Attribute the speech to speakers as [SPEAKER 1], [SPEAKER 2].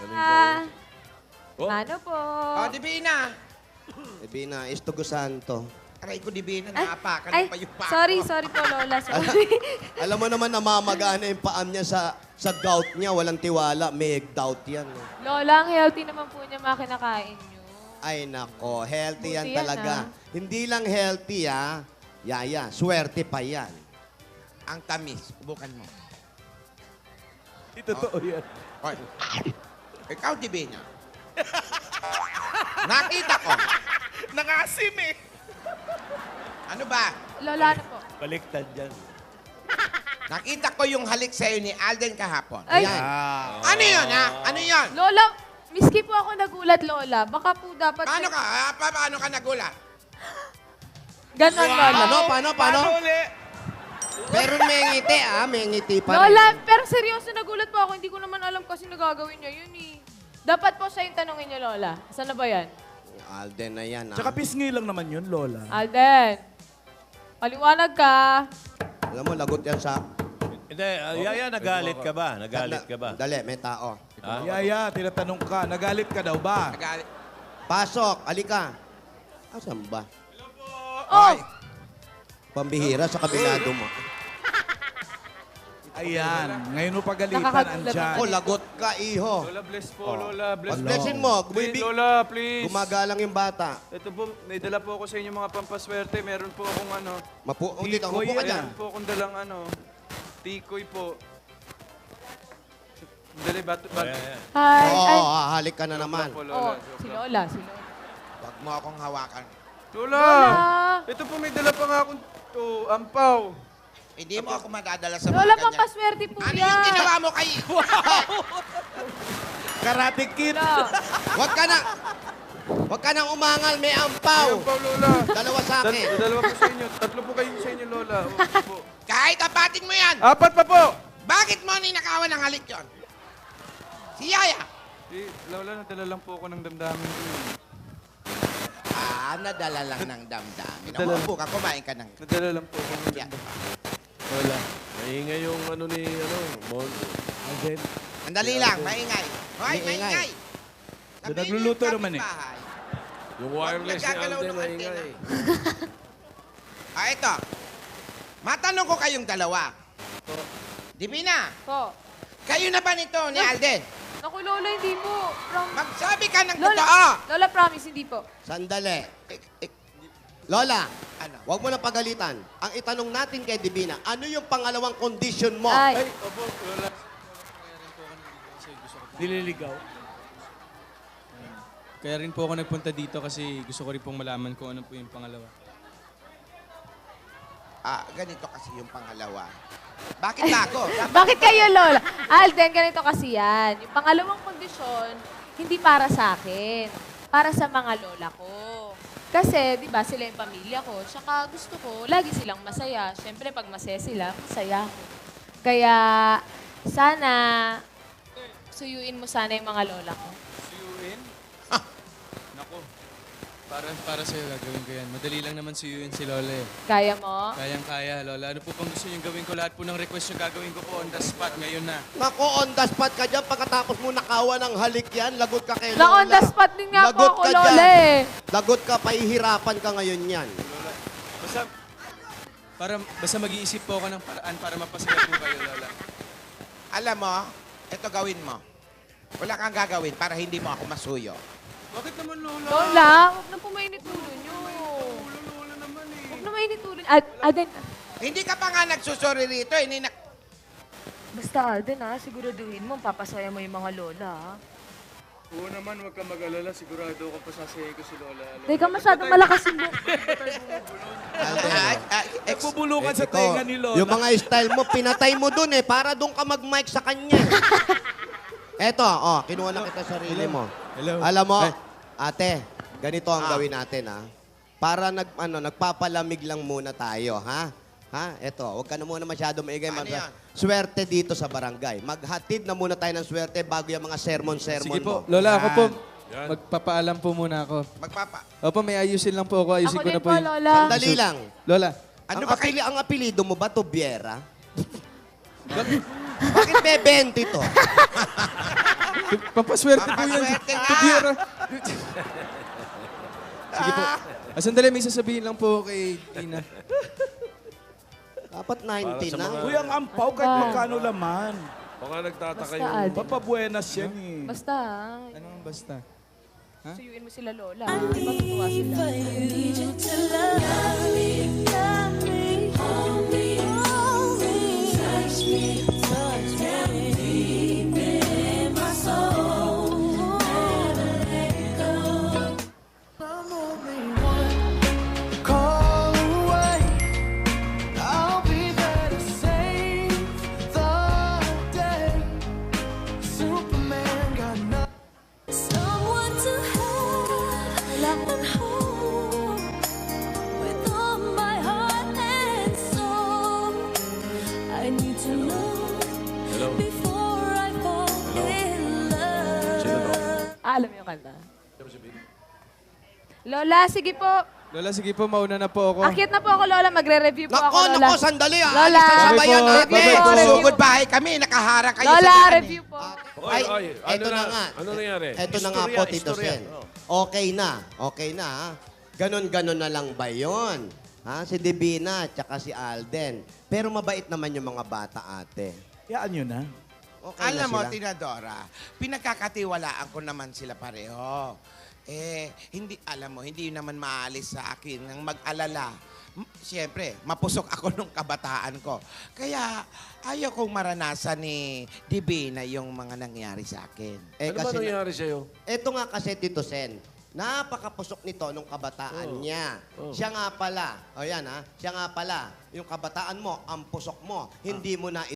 [SPEAKER 1] Oh.
[SPEAKER 2] Ano po?
[SPEAKER 3] Oh, Divina.
[SPEAKER 4] Divina, Estugo Santo.
[SPEAKER 3] Aray ko, Divina, naapakan
[SPEAKER 2] Ay,
[SPEAKER 3] mo pa yung paa
[SPEAKER 2] sorry
[SPEAKER 3] ko.
[SPEAKER 2] po, Lola. Sorry.
[SPEAKER 4] Alam mo naman, namamagana yung paam niya sa gout niya. Walang tiwala. May gout yan.
[SPEAKER 2] Lola, ang healthy naman po niya mga kinakain niyo.
[SPEAKER 4] Ay, nako. Healthy yan
[SPEAKER 2] Buti yan,
[SPEAKER 4] talaga. Hindi lang healthy, ha? Yaya, swerte pa yan.
[SPEAKER 3] Ang tamis. Subukan mo.
[SPEAKER 1] Hindi totoo yan.
[SPEAKER 3] Hoy. Ikaw, Divina. Nakita ko.
[SPEAKER 1] Nangasim eh.
[SPEAKER 3] Ano ba?
[SPEAKER 2] Lola, ano po?
[SPEAKER 1] Baliktad yan.
[SPEAKER 3] Nakita ko yung halik sa'yo ni Alden kahapon.
[SPEAKER 2] Ay,
[SPEAKER 4] Yan.
[SPEAKER 3] Ano yun, ha? Ano yun?
[SPEAKER 2] Lola, miski po ako nagulat, Lola. Baka po dapat...
[SPEAKER 3] Paano ka? Paano ka nagulat?
[SPEAKER 2] Ganon, Lola.
[SPEAKER 4] Paano?
[SPEAKER 1] uli?
[SPEAKER 4] Pero may ngiti, May ngiti pa rin.
[SPEAKER 2] Lola, pero seryoso nagulat po ako. Hindi ko naman alam kasi nagagawin niya yun eh. Dapat po siya yung tanongin niyo, Lola. Saan na ba yan?
[SPEAKER 4] Alden na yan,
[SPEAKER 1] Tsaka pisngi lang naman yun, Lola.
[SPEAKER 2] Alden, paliwanag ka.
[SPEAKER 4] Alam mo, lagot yan sa...
[SPEAKER 5] Hindi, Yaya, nagalit ka ba? Nagalit ka ba?
[SPEAKER 4] Dali, may tao.
[SPEAKER 1] Yaya, tinatanong ka, nagalit ka daw ba?
[SPEAKER 3] Nagalit.
[SPEAKER 4] Pasok, alika. Asan ba?
[SPEAKER 2] Oh,
[SPEAKER 4] Pambihira sa kabinado mo.
[SPEAKER 1] Ayan, ngayon mo pagalitan,
[SPEAKER 2] Nakakagulat
[SPEAKER 1] andyan.
[SPEAKER 4] Ako, lagot ka, iho.
[SPEAKER 6] Lola, bless po, Lola. Bless po.
[SPEAKER 4] Pag-blessin mo,
[SPEAKER 6] Please, Lola, please.
[SPEAKER 4] gumagalang yung bata.
[SPEAKER 6] Ito po, may dala po ako sa inyo mga pampaswerte. Meron po akong
[SPEAKER 4] Dito,
[SPEAKER 1] Tikoy,
[SPEAKER 4] upo ka dyan.
[SPEAKER 6] meron po akong dalang tikoy po. Dali,
[SPEAKER 2] hi. Ay,
[SPEAKER 4] Halik ka na naman.
[SPEAKER 6] po,
[SPEAKER 2] oh,
[SPEAKER 6] Lola.
[SPEAKER 2] si Lola, si Lola.
[SPEAKER 3] Huwag mo akong hawakan.
[SPEAKER 6] Lola! Ito po, may dala pa nga akong ampaw.
[SPEAKER 3] Hindi mo ako madadala sa mga
[SPEAKER 2] Lola,
[SPEAKER 3] ganyan.
[SPEAKER 2] pampaswerte po
[SPEAKER 3] Ano
[SPEAKER 2] yan.
[SPEAKER 3] yung ginawa mo kay...
[SPEAKER 1] Karate Kid.
[SPEAKER 2] Lola.
[SPEAKER 4] Huwag ka nang umangal, may ampaw.
[SPEAKER 6] Ampaw, Lola.
[SPEAKER 4] Dalawa sa akin.
[SPEAKER 6] Dalawa po sa inyo. Tatlo po kayo sa inyo, Lola. Opo po.
[SPEAKER 3] Kahit apatin mo yan,
[SPEAKER 6] Apat pa po!
[SPEAKER 3] bakit mo ninakawan ng halik yon? Si Yaya.
[SPEAKER 6] Lola, nadala lang po ako ng damdamin ko.
[SPEAKER 3] Nadala lang ng damdamin.
[SPEAKER 6] Nadala.
[SPEAKER 3] Umupo ka, kumain ka ng...
[SPEAKER 6] Nadala lang po ako ng
[SPEAKER 3] Yeah.
[SPEAKER 5] Wala. Maingay yung Mon.
[SPEAKER 1] Alden.
[SPEAKER 3] Andali lang, maingay. Hoy,
[SPEAKER 4] Maingay.
[SPEAKER 3] maingay.
[SPEAKER 1] Doon nagluluto naman eh.
[SPEAKER 3] kapitbahay.
[SPEAKER 5] Yung wireless ni
[SPEAKER 3] nagkagalaw
[SPEAKER 5] Alden,
[SPEAKER 3] ng antena.
[SPEAKER 5] maingay.
[SPEAKER 3] Ito. Matanong ko kayong dalawa. Divina,
[SPEAKER 2] Po.
[SPEAKER 3] kayo na ba nito ni Alden?
[SPEAKER 2] Naku, Lola, hindi po.
[SPEAKER 3] Magsabi ka ng
[SPEAKER 2] Lola,
[SPEAKER 3] totoo.
[SPEAKER 2] Lola, promise, hindi po.
[SPEAKER 4] Sandali. Lola,
[SPEAKER 3] Ano?
[SPEAKER 4] huwag mo na pagalitan. Ang itanong natin kay Divina, ano yung pangalawang condition mo?
[SPEAKER 2] Ay,
[SPEAKER 6] Opo, Lola.
[SPEAKER 1] Nililigaw.
[SPEAKER 7] Kaya rin po ako nagpunta dito kasi gusto ko rin pong malaman kung ano po yung pangalawa.
[SPEAKER 3] Ganito kasi yung pangalawa. Bakit ba ako?
[SPEAKER 2] bakit kayo, Lola? Alden, ganito kasi yan. Yung pangalawang kondisyon, hindi para sa akin. Para sa mga lola ko. Kasi, di ba, sila yung pamilya ko. Tsaka gusto ko, lagi silang masaya. Siyempre, pag masaya sila, masaya ako. Kaya, sana, suyuin mo sana yung mga lola ko.
[SPEAKER 7] Suyuin? Nako. Para sa'yo gagawin ko yan. Madali lang naman suyuin si Lola eh.
[SPEAKER 2] Kaya mo?
[SPEAKER 7] Kayang-kaya, Lola. Ano po pang gusto niyong gawin ko? Lahat po ng request niyo gagawin ko po on the spot ngayon na.
[SPEAKER 4] Nako, on the spot ka dyan. Pagkatapos mo nakawa ng halik yan, lagot ka kay Lola.
[SPEAKER 2] Na on the spot din nga po
[SPEAKER 4] Lagot
[SPEAKER 2] ako,
[SPEAKER 4] ka
[SPEAKER 2] Lola
[SPEAKER 4] dyan.
[SPEAKER 2] eh.
[SPEAKER 4] Lagot ka, pahihirapan ka ngayon yan.
[SPEAKER 7] Basta mag-iisip po ako ng paraan para mapasaya po kayo, Lola.
[SPEAKER 3] Alam mo, ito gawin mo. Wala kang gagawin para hindi mo ako masuyo.
[SPEAKER 7] Bakit naman, Lola?
[SPEAKER 2] Lola, huwag na po mainit ulo nyo.
[SPEAKER 7] Lola naman eh.
[SPEAKER 2] Huwag na mainit ulo. Alden,
[SPEAKER 3] Hindi ka pa nga nagsusuri rito.
[SPEAKER 8] Basta Alden siguraduhin mo, papasaya mo yung mga lola
[SPEAKER 6] Oo naman, huwag kang mag-alala. Sigurado ako pasasayahin ko si Lola.
[SPEAKER 2] Hindi ka masyadong malakas yung buhok.
[SPEAKER 1] Nagbubulungan sa
[SPEAKER 4] Ikaw,
[SPEAKER 1] tenga ni Lola.
[SPEAKER 4] Yung mga style mo, pinatay mo dun para doon ka mag-mic sa kanya. Eto, kinuha na kita sarili mo.
[SPEAKER 7] Hello.
[SPEAKER 4] Alam mo, ate, ganito ang gawin natin, ha? Para nagpapalamig lang muna tayo, ha? Eto, huwag ka na muna masyado maingay.
[SPEAKER 3] Ano yan?
[SPEAKER 4] Swerte dito sa barangay. Maghatid na muna tayo ng swerte bago yung mga sermon-sermon
[SPEAKER 7] Sige
[SPEAKER 4] mo.
[SPEAKER 7] po, Lola, ako po.
[SPEAKER 5] Yan.
[SPEAKER 7] Magpapaalam po muna ako.
[SPEAKER 3] Magpapa.
[SPEAKER 7] Opo, may ayusin lang po ako. Ayusin
[SPEAKER 2] Ako
[SPEAKER 7] ko na
[SPEAKER 2] din
[SPEAKER 7] po
[SPEAKER 2] po,
[SPEAKER 7] yung...
[SPEAKER 2] Lola.
[SPEAKER 4] Sandali lang.
[SPEAKER 7] Lola,
[SPEAKER 4] Ang apelido mo ba, Tobiera? Bakit may 20 to?
[SPEAKER 6] Papaswerte po yan.
[SPEAKER 3] Papaswerte nga.
[SPEAKER 6] Tubiera. Sige po. Sandali, may sasabihin lang po kay Tina.
[SPEAKER 4] Dapat 90 na.
[SPEAKER 1] Uy, ang ampaw kahit magkano laman.
[SPEAKER 9] Baka nagtataka
[SPEAKER 2] Basta,
[SPEAKER 9] yung...
[SPEAKER 2] Alden.
[SPEAKER 1] Papabuenas yan eh.
[SPEAKER 2] Basta,
[SPEAKER 6] Ano ang basta?
[SPEAKER 2] suyuin mo sila lola. Matutuwa sila.
[SPEAKER 10] Someone to have and hold with all my heart and soul. I need to know before I fall in love.
[SPEAKER 2] Alam mo yung kanta? Lola, sige po.
[SPEAKER 6] Lola, sige po, mauna na po ako.
[SPEAKER 2] Akit na po ako, Lola. Magre-review po ako, Lola.
[SPEAKER 4] Nako, sandali ah.
[SPEAKER 2] Lola.
[SPEAKER 4] Alis na sa bayan
[SPEAKER 6] Bye po.
[SPEAKER 4] natin.
[SPEAKER 2] Bye po.
[SPEAKER 3] Susugod bahay kami, nakaharang kayo
[SPEAKER 2] Lola,
[SPEAKER 3] sa daan eh.
[SPEAKER 2] review po.
[SPEAKER 9] Oy, oy,
[SPEAKER 4] eto na nga.
[SPEAKER 9] Ano nangyari?
[SPEAKER 4] Eto na nga po, Tito Sen. Okay na. Okay na, ha? Ganon-ganon na lang ba yun? Ha? Si Divina, tsaka si Alden. Pero mabait naman yung mga bata, ate.
[SPEAKER 1] Yaan nyo na.
[SPEAKER 4] Okay
[SPEAKER 3] Alam
[SPEAKER 4] na
[SPEAKER 3] mo,
[SPEAKER 4] sila.
[SPEAKER 3] Tinadora, pinagkakatiwalaan ko naman sila pareho. Hindi, alam mo, hindi naman maalis sa akin ng mag-alala. Siyempre, mapusok ako nung kabataan ko. Kaya, ayaw kong maranasan ni Divina yung mga nangyari sa akin.
[SPEAKER 4] Eh,
[SPEAKER 9] Ano ba
[SPEAKER 4] kasi
[SPEAKER 9] nangyari sa'yo?
[SPEAKER 4] Ito nga kasi, Tito Sen, napakapusok nito nung kabataan niya. Siya nga pala, o yan ha, siya nga pala, yung kabataan mo, ang pusok mo, hindi mo na